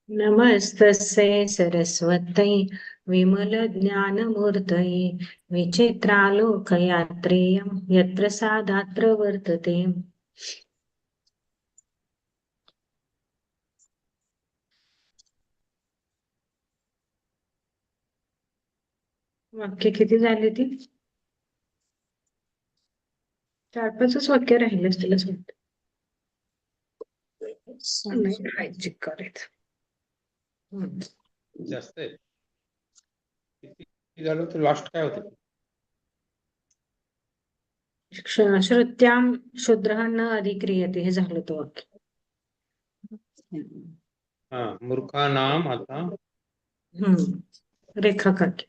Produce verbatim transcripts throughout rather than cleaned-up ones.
नमस्तस्यै सरस्वत्यै विमलज्ञानमूर्तये विचित्रालोकयात्रेयं यत्प्रसादात् प्रवर्तते। वाक्य किती झाली ती? चार पाचच वाक्य राहिले असतील असं वाटतं. नाही, हाय, चेक करायचं. हम्म. जास्त आहे. किती झालं तर लास्ट काय होतं? क्ष- श्रुत्यां शूद्रः न अधिक्रियते, हे झालं तो वाक्य. हा, मूर्खानाम आता हम्म रेखा काकी.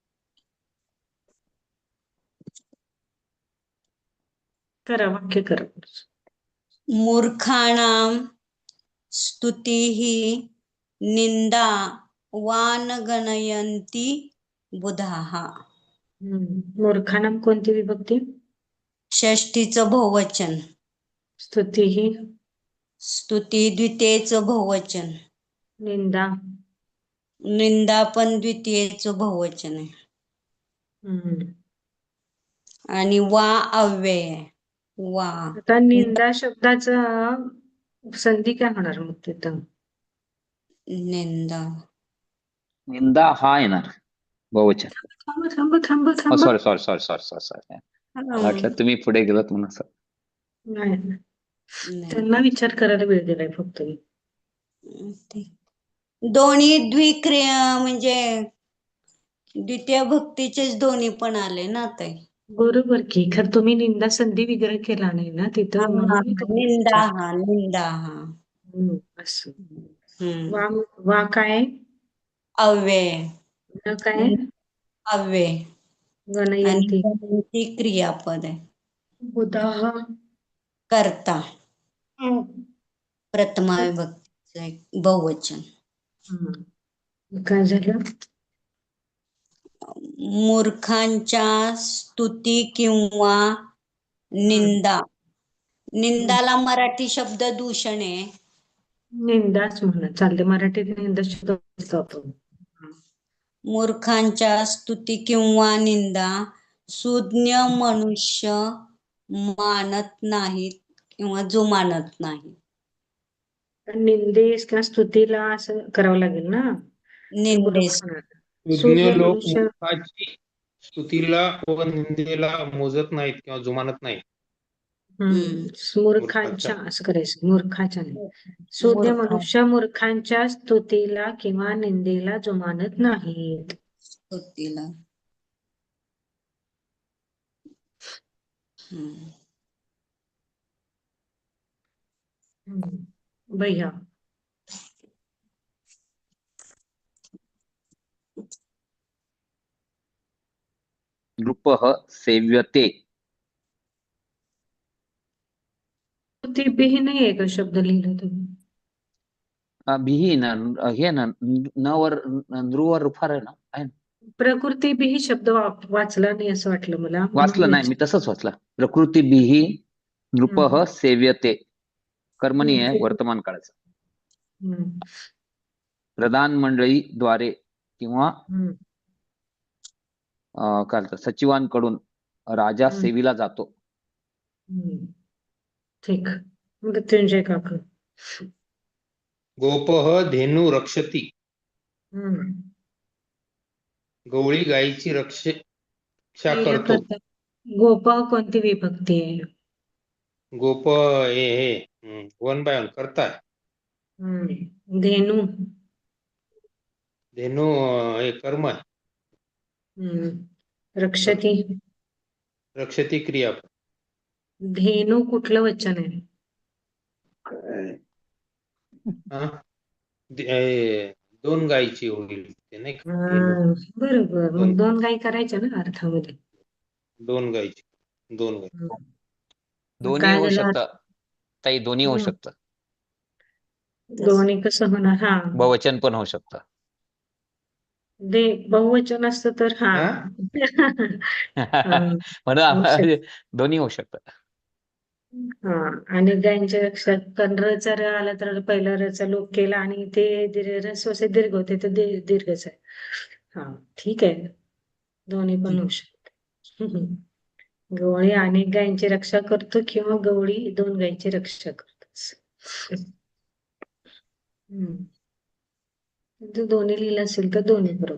करा, वाक्य करा. मूर्खाणां स्तुतिः निंदा वान गणयन्ति बुधाः. हम्म मूर्खानाम कोणती विभक्ती? षष्ठीचं बहुवचन. स्तुती ही स्तुती द्वितीयेचं बहुवचन. निंदा निंदा पण द्वितीयेचं बहुवचन आहे. हम्म आणि वा अव्यय आहे. वा आता निंदा शब्दाचा संधी काय होणार मग तिथं? निंदा निंदा हा येणार बहुवचन. थांब थांब थांब थांब. Sorry sorry sorry sorry sorry sorry वाटलं तुम्ही पुढे गेलात म्हणून असं. नाही, नाही. त्यांना विचार करायला वेळ दिलाय फक्त मी. ते- दोन्ही द्विक्रिया म्हणजे द्वितीय भक्तीचेच दोन्ही पण आले ना ताई. बरोबर की, खर तुम्ही निंदा संधी विग्रह केला नाही ना तिथं, म्हणून मी तुम्हाला निंदा विचारलं. हा निंदा हा हम्म, असं. हम्म वा वा काय? अव्यय न काय? अव्यय आणि गणयंती गणयंती क्रियापद आहे. बुधाः कर्ता प्रथमा विभक्तीचं एक बहुवचन. हम्म. काय झालं? मूर्खांच्या स्तुती किंवा निंदा. निंदाला मराठी शब्द दूषण आहे. निंदाच म्हणा चालते, मराठीत निंदा शब्द वापरतो आपण. मूर्खांच्या स्तुती किंवा निंदा सुज्ञ मनुष्य मानत नाहीत किंवा जो मानत नाही. पण निंदेस किंवा स्तुतीला असं करावं लागेल ना, ते बरोबर निंदेस होणार. सुज्ञ सुज्ञ लोक मनुष्य मूर्खाची स्तुतीला व निंदेला मोजत नाहीत किंवा जुमानत नाहीत. हम्म मूर्खांच्या असं करायचं, मूर्खाच्या नाही. सुज्ञ मूर्खा मनुष्य मूर्खांच्या स्तुतीला किंवा निंदेला जुमानत नाहीत. स्तुतीला. हम्म. हम्म. भैया नृपः सेव्यते. स्तुती बिही नाहीये का शब्द लिहिला तुम्ही? अ, बिही ना हे ना न वर नृवर रुफार आहे ना, आहे ना. प्रकृती बिही शब्द वा- वाचला नाही असं वाटलं मला, म्हणून वाचलं नाही मी, विचार- तसंच वाचलं. प्रकृती बिही नृपः हम्म. सेव्यते. कर्मणी आहे, हम्म. वर्तमान काळाचं. हम्म. प्रधान मंडळी द्वारे किंवा हम्म. अं, काय म्हणतात, सचिवांकडून राजा हम्म. सेवीला जातो. हम्म. ठीक. मृत्युंजय काका. गोपः धेनू रक्षती. हम्म. गवळी गायीची रक्ष रक्षा हे करतो. करतात. गोपा कोणती विभक्ती आहे? गोप हे हे वन बाय वन करताय. हम्म. धेनू धेनू अं, हे कर्म आहे. हम्म. रक्षती रक्षती क्रिया. धेनू कुठलं वचन आहे? हा दे- हे, दोन गायीची होईल ते नाही का? धेनू. हा, बरोबर. दोन मग दोन काही करायच्या ना अर्थामध्ये. दोन गायीची दोन गायी. हम्म. मग दोन्ही काय होऊ झालं? शकतं ताई, दोन्ही होऊ हम्म. शकतं. दोन्ही कसं होणार? हा, बहुवचन पण होऊ शकतं. दे बहुवचन असतं तर हा. हा? हा, म्हणून होऊ शकतं. आम्हाला दोन्ही होऊ शकतं. हा आणि गायींच्या लक्षात कारण रचा र आला तर पहिला रचा लोप केला आणि ते दीर्घ रस्वसे दीर्घ होते तर दीर्घ दीर्घच आहे. हा ठीक आहे, दोन्ही पण होऊ शकते. गवळी अनेक गायींची रक्षा करतो किंवा गवळी दोन गायींची रक्षा करतो. हम्म. जर दोन्ही लिहिलं असेल तर दोन्ही बरोबर,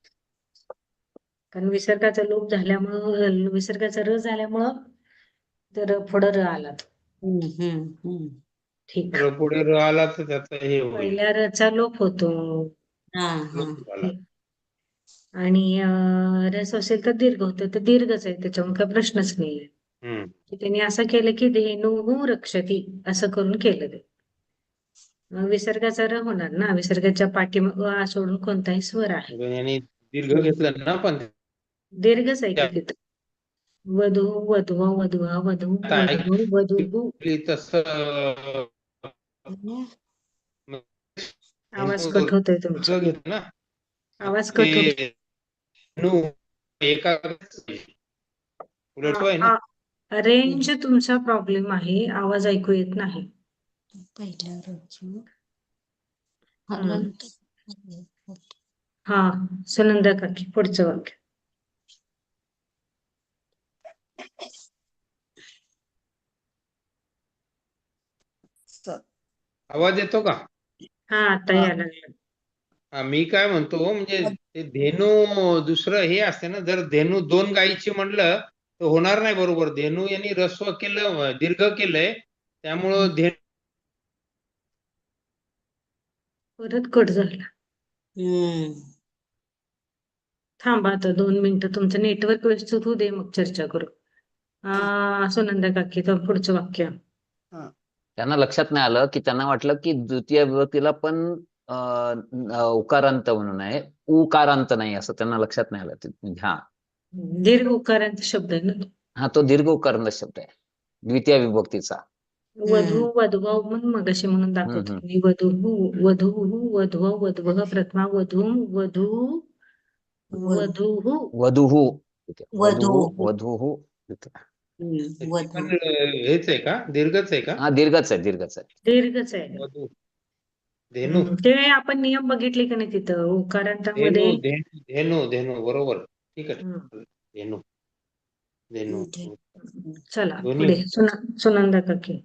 कारण विसर्गाचा लोप झाल्यामुळं विसर्गाचा र झाल्यामुळं तर पुढं र आला तो. हम्म, हम्म, हम्म. ठीक. र पुढे र आला तर त्याचा हे होईल, पहिल्या रचा लोप होतो हा हा लोप झाला. आणि अं, रस असेल तर दीर्घ होतं तर दीर्घच आहे, त्याच्यामुळे काही प्रश्नच नाहीये. हम्म. की त्यांनी असं केलं की धेनु रक्षती असं करून केलं ते. मग विसर्गाचा र होणार ना, विसर्गाच्या पाठीमाग आ सोडून कोणताही स्वर आहे, पण यांनी दीर्घ घेतलं ना, पण दीर्घच आहे की तिथं. वधू वधवा वधवा वधू आता वधू वधू तसं आवाज कट होतोय तुमचा, दीर्घ घेत ना, आवाज कट होतो. ते धेनू एका उलट आहे ना. रेंज तुमचा प्रॉब्लेम आहे, आवाज ऐकू येत नाही. पहिल्या रोजी हम्म. हलंत. हा सुनंदा काकी पुढचं वाक्य. आवाज येतो का? हा आता यायला लागला. हा, मी काय म्हणतो म्हणजे ते धेनू दुसरं हे असते ना, जर धेनू दोन गायीची म्हणलं तर होणार नाही बरोबर. धेनू यांनी रस्व केलं, दीर्घ केलंय, त्यामुळं धेनू परत कट झाला. हम्म. थांबा आता दोन मिनिटं, तुमचं नेटवर्क व्यवस्थित होऊ दे, मग चर्चा करू. आ सुनंदा काकी तर पुढचं वाक्य. त्यांना लक्षात नाही आलं की त्यांना वाटलं की द्वितीय विभक्तीला पण अं, उकारांत म्हणून आहे, उकारांत नाही असं त्यांना लक्षात नाही आलं. ते- हा दीर्घ उकारांचा शब्द आहे ना तो. हा तो दीर्घ उकारांत शब्द आहे द्वितीय विभक्तीचा. वधू वधवा म्हणून मगाशी म्हणून दाखवते हम्म. मी. वधू वधू वधवा वधव प्रथमा वधू वधू वधू वधूहु वधू. वधू वधूहु. हम्म, ते वधू. पण हेच आहे का, दीर्घच आहे का? हा दीर्घच आहे दीर्घच आहे. दीर्घच आहे. वधू धेनू हम्म. ते आपण नियम बघितले का नाही तिथं धेनू उकारांतामध्ये. धेनू धेनू धेनू बरोबर, ठीक आहे. हम्म. धेनू धेनू चला दोन्ही पुढे सुना सुनंदा काकी.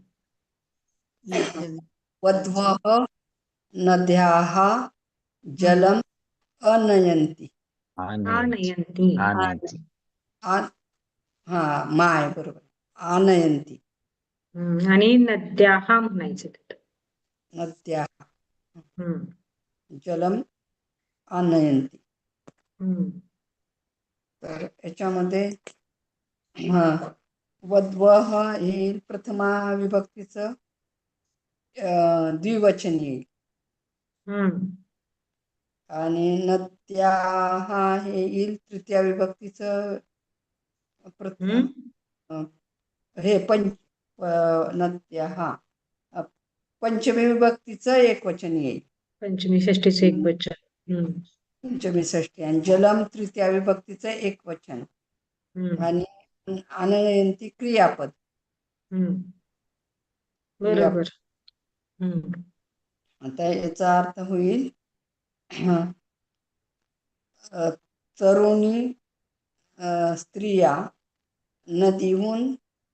वध्वः नद्याः जलम अनयन्ति. आनयन्ति. आनयन्ति. आ- हा माय बरोबर, आनयन्ति. हम्म. आणि नद्याः म्हणायचं तिथं. नद्या हम्म. जलम आनयन्ति. हम्म. तर याच्यामध्ये हा वध्वः हे प्रथमा विभक्तीचं अं, द्विवचन येईल हम्म. आणि नद्याः हे येईल तृतीया विभक्तीचं प्रथम हम्म. हे पंच अ, नद्याः अ, पंचमी विभक्तीचं एक वचन येईल. पंचमी षष्टीचं एक वचन. हम्म. पंचमी षष्टी आणि जलम तृतीया विभक्तीचं एक वचन हम्म. आणि आनयन्ति क्रियापद. हम्म. बरोबर. हम्म. आता याचा अर्थ होईल अ, तरुणी अ, स्त्रिया नदीहून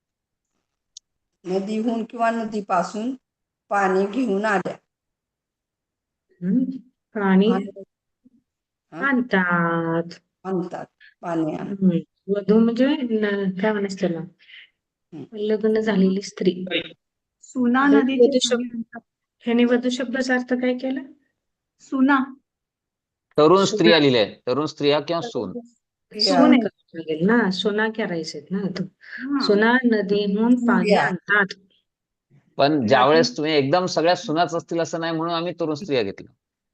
नदीहून किंवा नदीपासून पाणी घेऊन आल्या. हम्म. पाणी आणि- हा? आणतात. आणतात पाणी आण हम्म. वधू म्हणजे न- काय म्हणायचं त्याला, लग्न झालेली स्त्री. सुना तर नदीचे वधू पाणी शब्द आणतात. ह्याने वधू शब्दाचा अर्थ काय केला? सुना तरुण सुना. स्त्रिया लिहिलंय, तरुण स्त्रिया किंवा सून. सून करावं लागेल ना, सुना करायचेत ना तो. हा. सुना नदीहून पाणी स्त्रिया. आणतात. पण ज्यावेळेस तुम्ही एकदम सगळ्या सुनाच असतील असं नाही म्हणून आम्ही तरुण स्त्रिया घेतलं.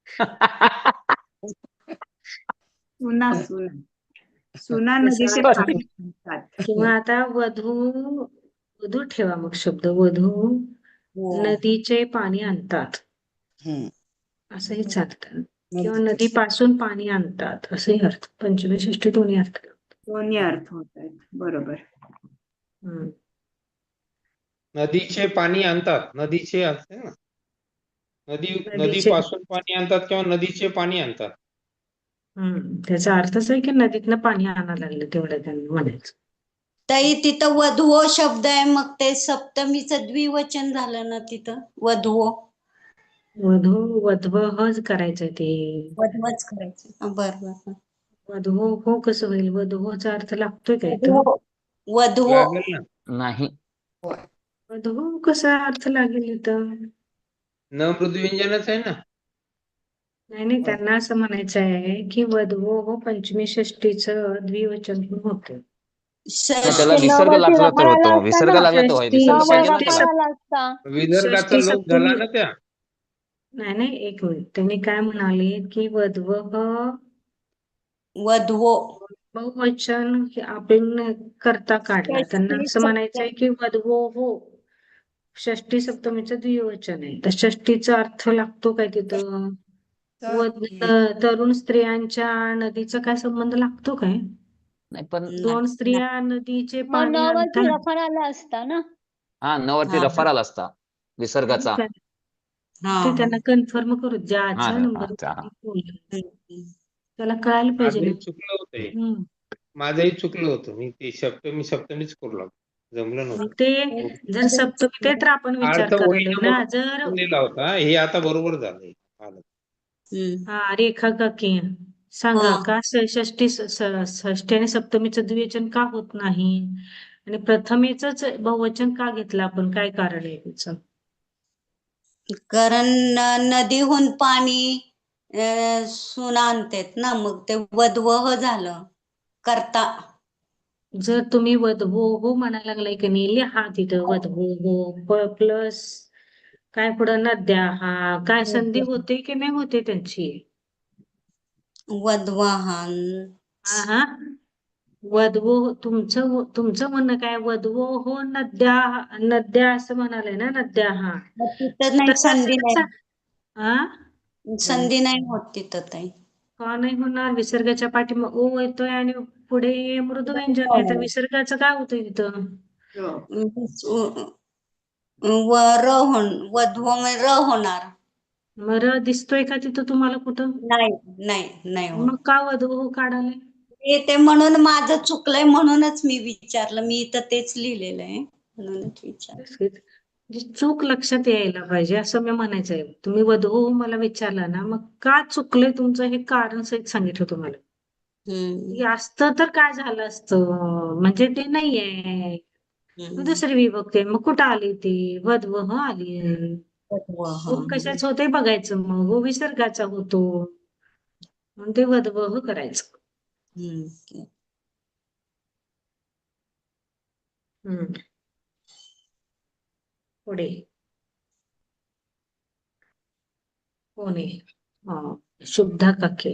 सुना सुना सुना जसं नदीचे आता- पाणी आणतात. किंवा आता वधू वधू ठेवा मग शब्द, वधू हो. नदीचे पाणी आणतात हम्म. असंही चालतं. किंवा नदी- नदीपासून पाणी आणतात असंही अर्थ. पंचमी षष्टी दोन्ही अर्थ. दोन्ही अर्थ होत आहेत. बरोबर. हम्म. नदीचे पाणी आणतात, नदीचे असते ना, नदी नदीचे नदीपासून पाणी आणतात किंवा नदीचे पाणी आणतात. हम्म त्याचा अर्थच आहे की नदीतनं पाणी आणायला लागलं तेवढं त्यांना म्हणायचं. ताई तिथं वधवो शब्द आहे, मग ते सप्तमीचं द्विवचन झालं ना तिथं वधवो. वधू वधवहच करायचंय ते. वधवच करायचं. बरं बरं. वधू हो कसं होईल? वधूचा अर्थ लागतोय काय तो? वधवो वधवो लागेल ना, नाही. होय. वधू कसा अर्थ लागेल इथं? न मृदुव्यंजनच आहे ना. नाही नाही त्यांना असं म्हणायचं आहे की वधवो हो पंचमी षष्टीचं द्विवचन पण होतं. नाही, त्याला षष्टी विसर्ग नवरात्री लागला तर रफाळाला होतो, असता विसर्ग ना. लागला तर होय, षष्टी विसर्ग त्यामुळे पाहिजे ना षष्टी त्याला. सप- रफाळाला असता. विदर्गाचा षष्टी लोक झाला सप्तमी ना त्या. नाही नाही एक मिनिट त्यांनी काय म्हणाले की वधवह वधवो बहुवचन हे आपण करता काढला. त्यांना षष्टी असं म्हणायचंय की वधवो हो षष्टी सप्तमीचं द्विवचन आहे. तर षष्टीचा अर्थ लागतो काय तिथं? तर व तरुण स्त्रियांच्या नदीचा काय संबंध लागतो काय? नाही पण दोन स्त्रिया नदीचे मग पाणी नवरात्री आणतात. रफाळाला असता ना. हा नवरती हा. रफाराला असता विसर्गाचा. ठीक आहे. हा ते त्यांना कन्फर्म करू हा ज्याचा हा नंबर त्या- त्याला कळायला पाहिजे ना. माझंही चुकलं होतं हे. हम्म. माझंही चुकलं होतं. मी ते सप्तमी सप्तमीच करू लागलो, जमलं नव्हतं. मग ते जर सप्तमी ते तर आपण विचार अर्थ करायला होईना ना. म्हणून जर चुकून दिला होता. हे आता बरोबर झालंय. आलं. हम्म. हा रेखा काकी सांगा हा. का ष- षष्टी स- स- षष्टी आणि सप्तमीचं द्विवचन का होत नाही आणि प्रथमेच बहुवचन का घेतलं आपण? काय कारण आहे त्याचं? कारण न- नदीहून पाणी अं, सुना आणतात ना, मग ते वधवह झालं करता. जर तुम्ही वधवो हो म्हणायला लागलाय की नाही, लिहा तिथं वधवो हो प्लस काय पुढं नद्या. हा काय संधी होते की नाही होते त्यांची? वधवाहन हा हा वधवो तुमचं तुमचं म्हणणं काय? वधवो हो नद्या नद्या असं म्हणाले ना. नद्या हा मग तिथं नाही, तसं संधी जर सा- नाही, हा संधी नाही होत तिथं ताई. का नाही होणार? विसर्गाच्या पाठीमाग ओ येतोय आणि पुढे मृदू व्यंजन आहे, तर विसर्गाचं काय होतंय तिथं? व र होण वधवो र होणार. मग र दिसतोय का तिथं तुम्हाला कुठं? नाही नाही नाही होत. मग का वधवो काढाले? ते ते म्हणून माझं चुकलंय, म्हणूनच मी विचारलं. मी इथं तेच लिहिलेलं आहे, म्हणूनच विचारलं. जी चूक लक्षात यायला पाहिजे असं मी म्हणायचंय. तुम्ही वधू मला विचारलं ना, मग का चुकलंय तुमचं हे कारण सहित सांगितलं तुम्हाला. हम्म. हे असतं तर काय झालं असतं? म्हणजे ते नाहीये, हम्म. दुसरी विभक्ती आहे. मग कुठं आली ती? वधवह आली. वधवह. हो कशाच होते बघायचं, मग हो विसर्गाचा होतो म्हणून ते वधवह करायचं. हम्म. हम्म पुढे कोणी हा शुभ्धा काके.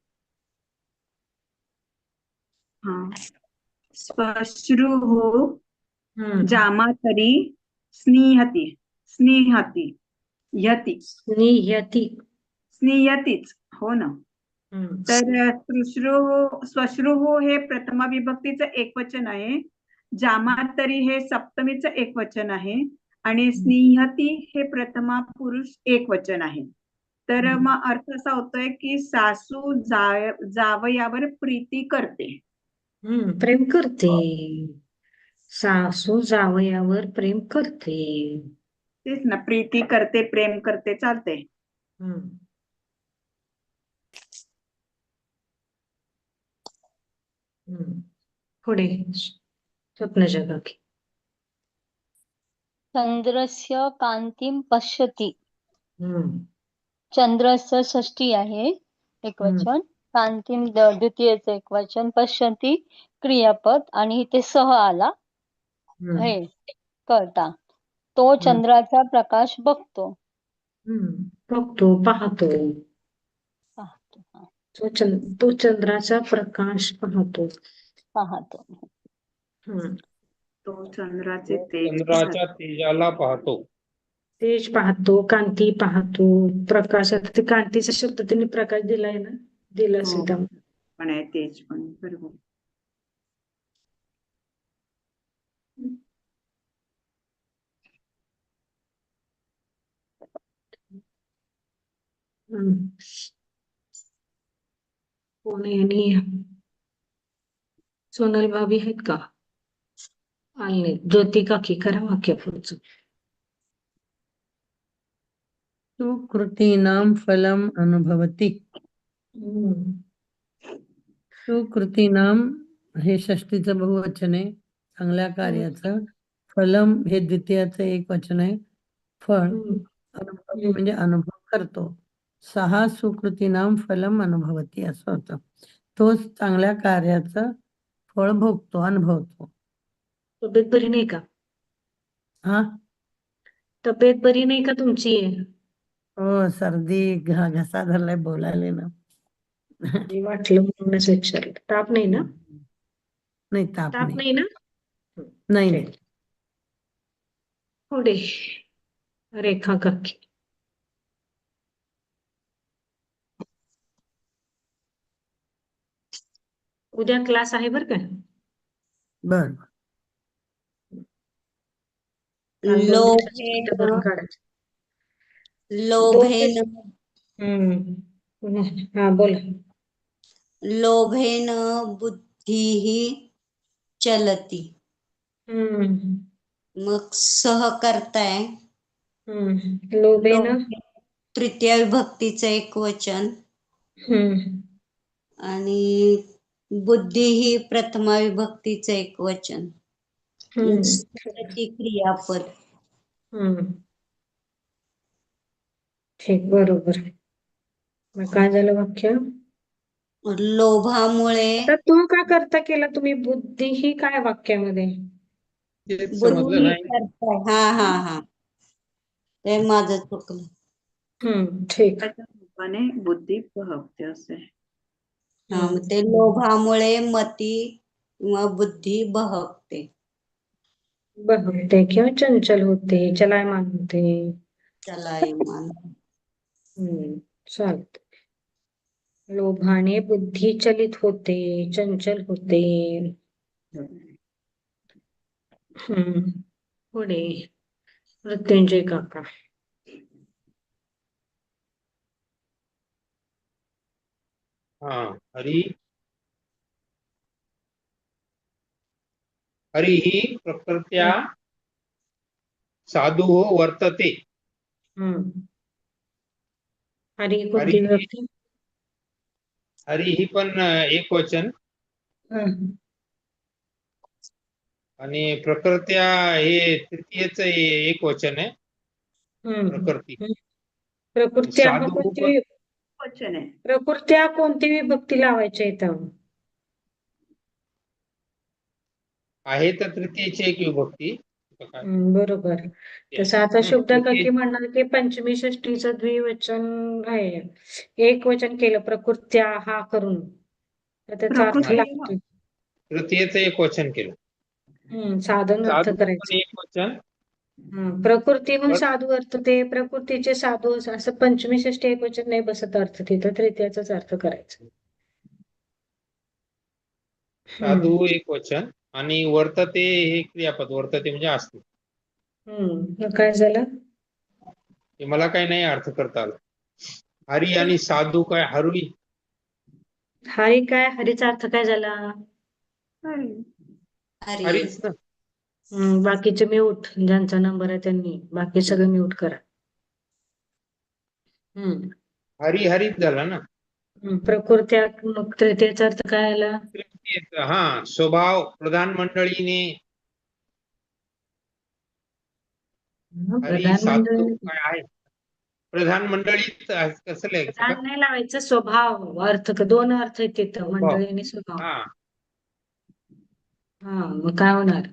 हा श्मश्रुः हम्म जामातरी स्निहती स्निहती यती स्निह्यती. स्नियतीच हो ना. हम्म तर श्मश्रुः श्मश्रुः हे प्रथमा विभक्तीचं एकवचन आहे. जामातरी हे सप्तमीचं एकवचन आहे आणि स्निहती हे प्रथमा पुरुष एकवचन आहे. तर हम्म. मग अर्थ असा होतोय की सासू जा- जावयावर प्रीती करते. हम्म प्रेम करते. सासू जावयावर प्रेम करते. तेच ना, प्रीती करते, प्रेम करते, चालते. हम्म हम्म पुढे स्वप्नजा काकी. चंद्रस्य कांतीम पश्यति. हम्म चंद्रस्य षष्टी आहे एकवचन, कांतीम द- द्वितीयचं एकवचन, पश्यति क्रियापद आणि इथे सह आला हम्म हे करता. तो चंद्राचा प्रकाश बघतो. हम्म बघतो पाहतो. पाहतो हा, तो चंद तो चंद्राचा प्रकाश पाहतो. पाहतो. हम्म तो चंद्राचे तेज चंद्राच्या तेजाला पाहतो. तेज पाहतो, कांती पाहतो, प्रकाश. आता ते कांतीचा शब्द त्यांनी प्रकाश दिलाय ना, दिला हो. असेल त्यामुळे. पण आहे, तेज पण आहे, बरोबर. हम्म. कोण आहे आणि सोनल भाभी आहेत का? आले नाहीत. ज्योती काकी करा वाक्य पुढचं. सुकृतीनां फलम् अनुभवति. हम्म. सुकृतीनां हे षष्टीचं बहुवचन आहे, चांगल्या कार्याचं. फलम हे द्वितीयाचं एक वचन आहे, फळ. हम्म. अनुभवती म्हणजे अनुभव करतो. सहा सुकृतीनां फलम अनुभवती असं होतं. तो चांगल्या कार्याचं फळ भोगतो, अनुभवतो. तब्येत बरी नाही का? हा तब्येत बरी नाही का तुमची? हो, सर्दी घ- घसा धरलाय, बोलायला ना. जे वाटलं म्हणूनच विचारलं. ताप नाही ना? नाही, ताप ताप नाही. नाही ना? नाही ठीक. नाही. पुढे रेखा काकी. उद्या क्लास आहे बरं का? बर काल दोन दिवसाची लोभेन सुट्टी भरून काढायची. दोन लोभेन दिवस- हम्म. हा बोला. लोभेन बुद्धिः चलती. हम्म. मग सह करताय हम्म. लोभेन लोभे तृतीय विभक्तीचं एक वचन हम्म. आणि बुद्धी ही प्रथमा विभक्तीचं एक वचन. हम्म. ती क्रियापद. हम्म. ठीक, बरोबर. मग काय झालं वाक्य? लोभामुळे आता तू का करता केला तुम्ही? बुद्धी ही काय वाक्यामध्ये? तेच समजलं बुद्धी नाही. करताय. हा हा हा ते माझं चुकलं. हम्म. ठीक. त्याच्या रूपाने बुद्धी बहकते असे. हा हम्म. मग ते लोभामुळे मती किंवा बुद्धी बहकते. बहकते किंवा चंचल होते, चलायमान होते. चलायमान. हम्म. चालत. लोभाने बुद्धी चलित होते, चंचल होते. हम्म. पुढे मृत्युंजय काका. हा हरी हरी ही प्रकृत्या साधु वर्तते. हम्म. हरी कोणती हरी विभक्ती? हरी ही पण एक वचन हम्म. आणि प्रकृत्या हे तृतीयच एक वचन आहे. हम्म. प्रकृती हम्म. प्रकृत्या मग साधू कोणती पण वि- वचन आहे. प्रकृत्या कोणती विभक्ती लावायची इथं? आहे तर तृतीयची एक विभक्ती. काय? हम्म, बरोबर. तसं आता हम्म, शुभदा तृतीय काकी म्हणणार की पंचमी षष्टीचं द्विवचन आहे, एक वचन केलं प्रकृत्या हा करून, तर त्याचा अर्थ प्रकृती लागतो. तृतीयच एक वचन केलं. हम्म. साधन अर्थ साधू करायचं. पण एक वचन. हम्म. प्रकृतीहून पण साधू अर्थ ते प्रकृतीचे साधू असं पंचमी षष्टी एक वचन नाही बसत अर्थ, तिथं तृतीयाचाच अर्थ करायचा. साधू हम्म. एक वचन आणि वर्तते हे क्रियापद. वर्तते म्हणजे असते. हम्म. मग काय झालं? हे मला काही नाही अर्थ करता आलं. हरी आणि साधू काय? हरी हरी काय? हरीचा अर्थ काय झाला? हरी. हरी. हरीच ना. हम्म. बाकीचे म्यूट, ज्यांचा नंबर आहे त्यांनी बाकी सगळं म्यूट करा. हम्म. हरी हरीच झाला ना. हम्म. प्रकृत्या मग तृतीयाचा अर्थ काय आला? तृतीयच, हा स्वभाव प्रधान मंडळीने. हरी प्रधान साधू मंडळी काय आहे? प्रधान मंडळीत कसं लिहायचं का? प्रधान नाही लावायचं, स्वभाव अर्थ दोन अर्थ आहेत तिथं, स्वभाव. मंडळी आणि स्वभाव. हा हा मग काय होणार?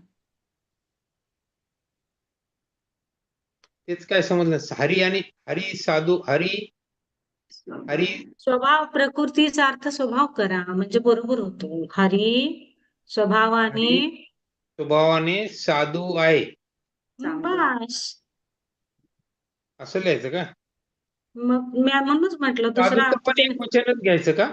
तेच काय समजलं. हरी आणि हरी साधू हरी हरी स्वभाव प्रकृतीचा अर्थ स्वभाव करा म्हणजे बरोबर होतो. हरी स्वभावाने हरी स्वभावाने साधू आहे चांगला. बस. असं लिहायचं का? मग मी म्हणूनच म्हटलं दुसरा साधूचं अर्थ पण ते एक वचनच घ्यायचं का?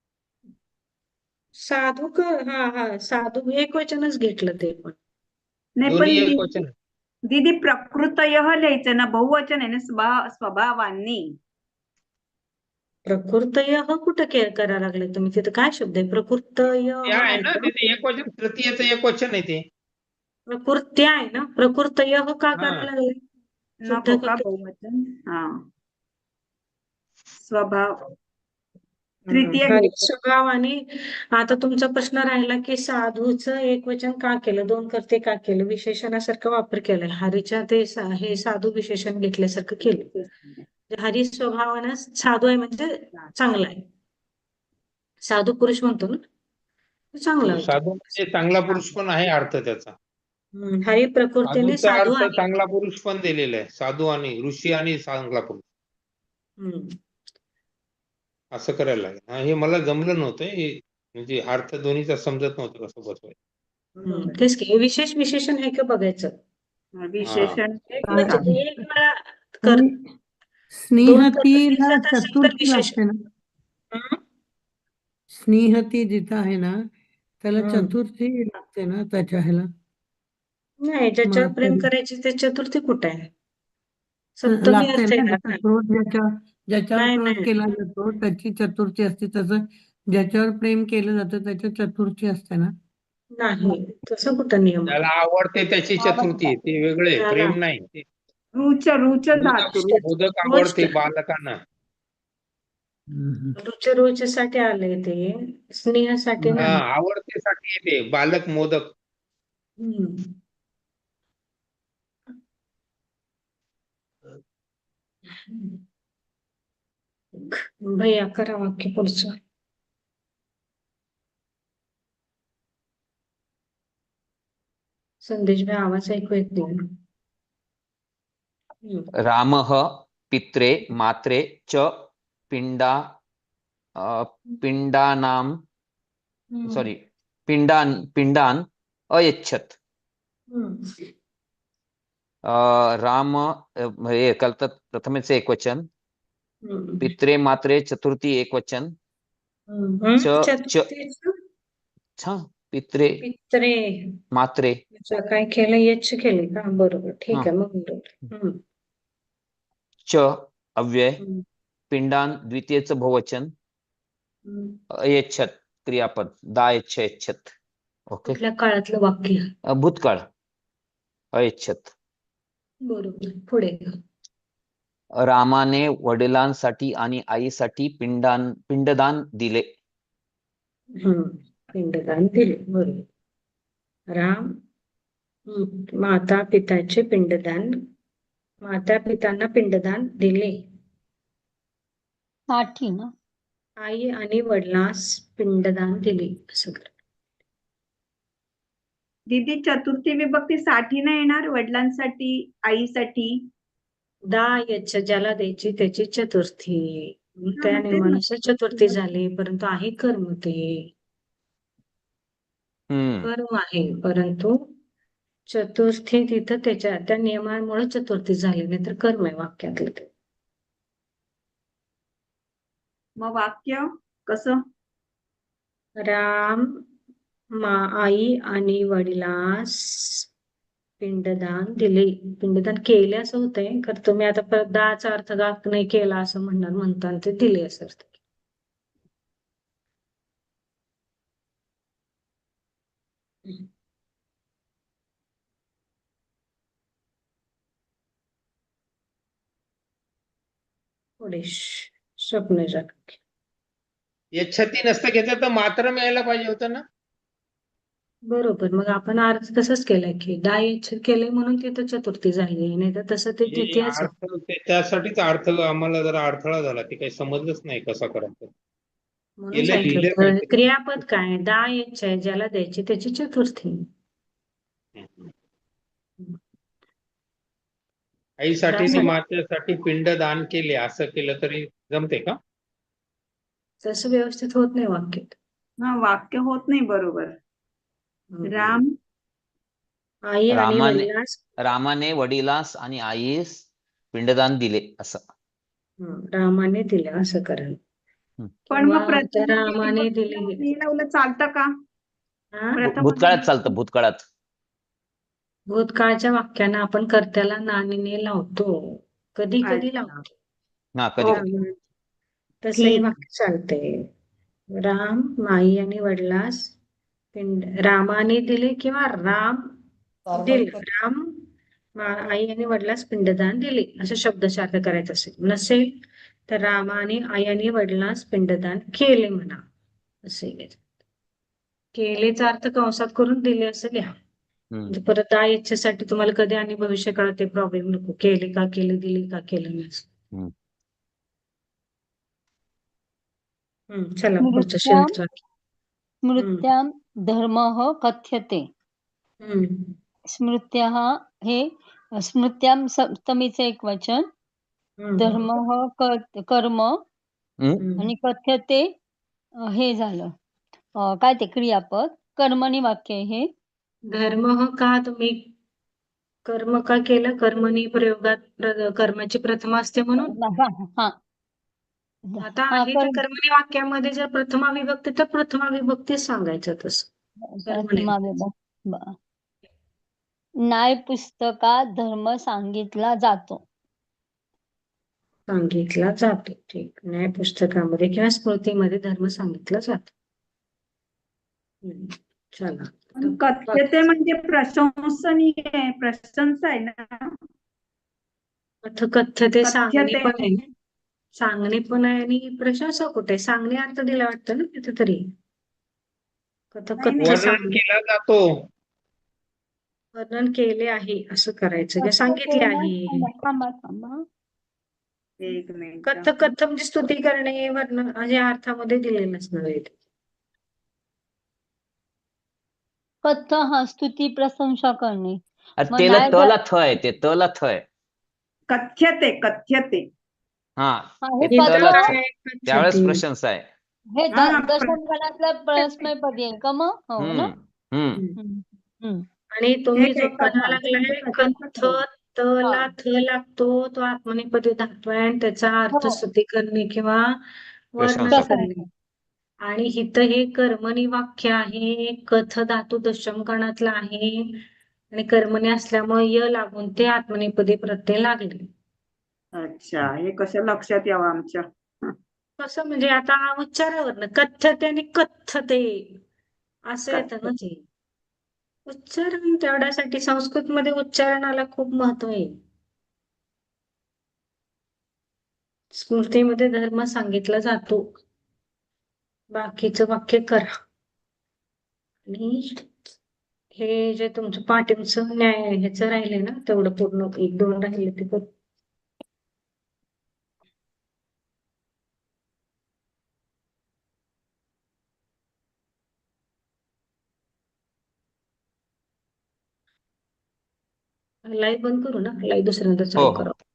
साधू क हा हा साधू एक वचनच घेतलं ते पण. नाही दोन्ही पण एक दीदी वचन. दीदी प्रकृतयः लिहायचं ना, बहुवचन आहे ना. स्वभाव स्वभावांनी. प्रकृतय कुठं के करा लागले तुम्ही तिथं काय शब्द आहे प्रकृतय ते आहे ना तिथे एक वचन तृतीयचं एक वचन आहे ते. प्रकृत्य आहे ना प्रकृतय का हा. करा लागले शुद्ध नको का करतो. बहुवचन हा स्वभाव हम्म. तृतीय हा, घ्यायचं. स्वभाव आणि आता तुमचा प्रश्न राहिला की साधूचं एक वचन का केलं दोन करते का केलं विशेषणासारखं वापर केलाय हरीच्या ते सा- हे साधू विशेषण घेतल्यासारखं केलं हरी स्वभावानं साधू आहे म्हणजे चांगला आहे साधू पुरुष म्हणतो ना तो चांगला होतो साधू म्हणजे चांगला पुरुष पण आहे अर्थ त्याचा. हम्म. हरी प्रकृतीने साधूचा साधू अर्थ आहे चांगला पुरुष पण दिलेला आहे. साधू आणि ऋषी आणि चांगला पुरुष हम्म. असं करायला लागेल. हा, हे मला जमलं नव्हतं हे म्हणजे अर्थ दोन्हीचा समजत नव्हतं कसं बसवायचं. हम्म. तेच की हे विशेष विशेषण आहे का बघायचं विशेषण एक हा. म्हणजे एक वेळा कर आणि दोन स्नेहतीला पद्धतीचं असेल तर चतुर्थी विशेषण लागते ना हम्म. स्नेहती जिथं आहे ना त्याला हम्म. चतुर्थी लागते ना त्याच्या ह्याला नाही ज्याच्यावर प्रेम मातेला. करायची ते चतुर्थी कुठे आहे हं, सप्तमी लागते अर्थ ना येणार त्याचा ना क्रोध ज्याच्या ज्याच्यावर नाही क्रोध नाही केला जातो त्याची चतुर्थी असते तसं ज्याच्यावर प्रेम केलं जातं त्याची चतुर्थी असते ना. नाही तसं कुठं नियम आहे त्याला आवडते त्याची चतुर्थी आहे. ते वेगळे त्याला प्रेम नाही. ते रुच रुच धातू मोदक मोदक रोज आवडते बालकांना. हम्म. रुच रुचीसाठी आले ते स्नेहासाठी हा नाही आवडतेसाठी येते बालक मोदक. हम्म. भैया करा वाक्य पुढचं संदेश भाई आवाज ऐकू येत नाही हम्म. रामः पित्रे मात्रे च पिंडा अ, पिंडानां हम्म. सॉरी पिंडान पिंडान अयच्छत. हम्म. अ, राम अ, हे कलतात प्रथमेच एक वचन हम्म. पित्रे मात्रे चतुर्थी एक वचन हम्म. च च चतुर्थीचं छ पित्रे पित्रे मात्रे अच्छा, काय केलं यच्छ केले का बरोबर ठीक हा आहे मग बरोबर हम्म. च अव्यय हम्म. पिंडान द्वितीयचं बहुवचन हम्म. अयच्छत क्रियापद दा यच्छ यच्छत. ओके कुठल्या काळातलं वाक्य अ, भूतकाळ अयच्छत. बरोबर पुढे रामाने वडिलांसाठी आणि आईसाठी पिंडान पिंडदान दिले. हम्म. पिंडदान दिले बरोबर राम हम्म. माता पिताचे पिंडदान माता पितांना पिंडदान दिले साठी ना आई आणि वडिलांस पिंडदान दिले असं कर. दीदी चतुर्थी विभक्ती साठी नाही येणार वडिलांसाठी आईसाठी दा यच्छ ज्याला द्यायची त्याची चतुर्थी हा, त्या मग तेच नियमानुसार चतुर्थी ना. झाली परंतु आहे कर्म ते हम्म कर्म आहे परंतु चतुर्थी तिथं त्याच्या त्या नियमामुळे चतुर्थी झाली नाही तर कर्म आहे वाक्यातलं ते मग वाक्य कसं राम मा आई आणि वडिलास पिंडदान दिले पिंडदान केले असं होतंय खरं तुम्ही आता परत दाचा अर्थ गाक नाही केला असं म्हणणार म्हणताना ते दिले असं अर्थ पुढे स्वप्न जाग यच्छती नसतं घेतलं तर मात्र मिळायला पाहिजे होतं ना. बरोबर मग आपण अर्थ तसंच केलाय की दायच्छ केलंय म्हणून तिथं चतुर्थी झाली नाही तर तसं ते हे द्वितीयच आहे. अर्थ ते- त्यासाठीच अर्थ आम्हाला जरा अडथळा झाला ते काही समजलंच नाही कसा करायचं. म्हणून केलं लिहिलं सांगितलं काहीतरी. क्रियापद काय दायच्छ आहे ज्याला द्यायची त्याची चतुर्थी आईसाठी आणि दासा- मातेसाठी पिंड दान केले असं केलं तरी जमते का. तसं व्यवस्थित होत नाही वाक्यात हा वाक्य होत नाही बरोबर हम्म. राम आई आणि रामाने वडिलास रामाने वडिलास आणि आईस पिंडदान दिले असं. हम्म, रामाने दिले असं करायला पण किंवा मग प्रथम त्या रामाने दिले विभक्तीला लावलं चालतं का हा? भू- प्रथम भूतकाळात चालतं भूतकाळात. भूतकाळच्या वाक्यानं आपण कर्त्याला नानीने लावतो कधी कधी अच्छा. लावतो हा कधी हो. कधी रामा- तसं हे ठीक. वाक्य चालतंय. राम आई आणि वडिलास पिंड रामाने दिले किंवा राम दिले. राम मा- आई आणि वडिलास पिंडदान दिले असं शब्दशः करायचं असेल. नसेल तर रामाने आई आणि वडिलास पिंडदान केले म्हणा. असे घ्यायचं. केलेचा अर्थ कंसात करून दिले असं लिहा. हम्म. म्हणजे परत आ इच्छेसाठी तुम्हाला कधी आणि भविष्य काळात ते प्रॉब्लेम नको. केले का केले, दिले का केलं नाही असं. हम्म. हम्म, चला पुढचं स्मृत्यां शेवटचं वाक्य. स्मृत्यां धर्मः कथ्यते. हम्म स्मृत्याः हे स्मृत्यां सप्तमीचे एक वचन, हम्म धर्मः क- कर्म हम्म. हम्म. आणि कथ्यते अं, हे झालं अं, काय ते क्रियापद, कर्मणी वाक्य आहे हे. धर्म का तुम्ही कर्म का केलं? कर्मणी प्रयोगात प्र- कर्माची प्रथमा असते म्हणून. हा हा आता हा आहे त्या कर्म कर्मणी वाक्यामध्ये जर प्रथमा विभक्ती तर प्रथमा विभक्ती सांगायचं तसं कर्मणी. ब- न्याय पुस्तकात धर्म सांगितला जातो. सांगितला जातो. ठीक. न्याय पुस्तकामध्ये किंवा स्मृतीमध्ये धर्म सांगितला जातो. हम्म. चला पण कथ्यते म्हणजे प्रशंसनीय आहे, प्रशंसा आहे ना. कथ कथ्य ते सांगणे कथ्यते पण आहे. सांगणे पण आहे आणि प्रशंसा कुठे आहे? सांगणे अर्थ दिला वाटतं ना तिथे तरी. कथ नाही, कथ्य नाही. वर्णन सांगणे. केला जातो. वर्णन केले आहे असं करायचं किंवा सांगितले कथ्यते ना, आहे. थांबा थांबा थांबा. एक मिनिट. कथ कथ म्हणजे स्तुती करणे वर्णन या अर्थामध्ये दिलेलं नसणार आहे ते. कथ हा स्तुती प्रशंसा करणे. अरे मग तेला न्याय तला झा- थ आहे ते तला थ आहे. कथ्यते कथ्यते हा हा, ते हे इथं तला कथ थ. काय त्यावेळेस कथ्यते? प्रशंसा आहे. हे हा, द- प्र- दशमगणातलं प्रश्नपदी आहे का मग? हो ना. हम्म. हम्म. हम्म. हम्म. आणि तुम्ही ठीक जो आहे, म्हणा कथा. लागलाय प्रशंसा कथ करावी. तला हा. थ लागतो तो आत्मनेपदी धातू आहे आणि त्याचा अर्थ हो. स्तुती करणे किंवा वर्णन प्रशंसा करणे. प्रशंसा. आणि इथं हे कर्मणी वाक्य आहे. कथ धातू दशमगणातला आहे आणि कर्मणी असल्यामुळे य लागून ते आत्मनेपदी प्रत्यय लागले. अच्छा, हे कसं लक्षात यावं आमच्या. कसं म्हणजे आता उच्चारावरनं कथ्यते आणि कथ्यते असं येतं ना ते. उच्चारण तेवढ्यासाठी संस्कृत मध्ये उच्चारणाला खूप महत्व आहे. स्मृतीमध्ये धर्म सांगितला जातो. बाकीचं वाक्य करा. आणि हे जे तुमचं पाटीलचं न्याय ह्याचं राहिले ना तेवढं पूर्ण एक दोन राहिले ते कर. लाईव्ह बंद करू ना, लाईव्ह दुसऱ्यांदा हो चालू हो. करा.